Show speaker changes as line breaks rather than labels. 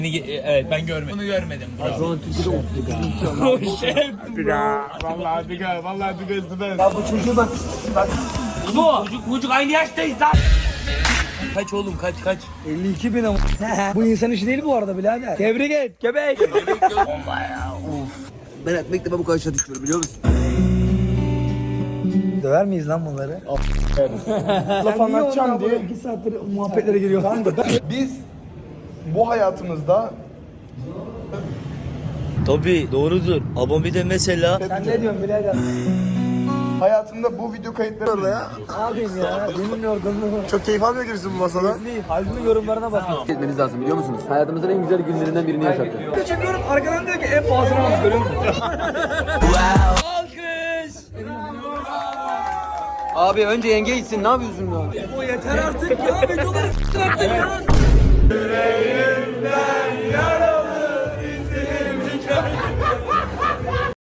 Evet ben görmedim. Bunu görmedim.
Şu an Türkiye'de 30
Vallahi Diga, vallahi Diga süper.
Ya bu çocuğu bak.
Bu çocuk aynı yaştayız lan. Kaç oğlum kaç.
52 bin ama. Bu insan işi değil bu arada birader. Tebrik et köpek.
Ben ekmekle bu karşıya düşmüyorum biliyor musun?
Döver miyiz lan bunları?
Laf anlatacağım diye.
2 saattir muhabbetlere giriyor.
Biz bu hayatımızda
Tabii doğrudur. Ama bir de mesela
Sen ne diyorsun birader?
hayatımda bu video kayıtları orada ya.
Ne yapayım ya? Benim yorgunluğum.
Çok keyif almıyor gibisin bu masada.
Değil. Halbuki yorumlarına bakın.
Etmeniz lazım biliyor musunuz? Hayatımızın en güzel günlerinden birini yaşattık.
Çekiyorum arkadan diyor ki en pahalısını almış görüyor musun?
Abi önce yenge gitsin ne yapıyorsun ya?
O yeter artık ya. Videoları artık ya.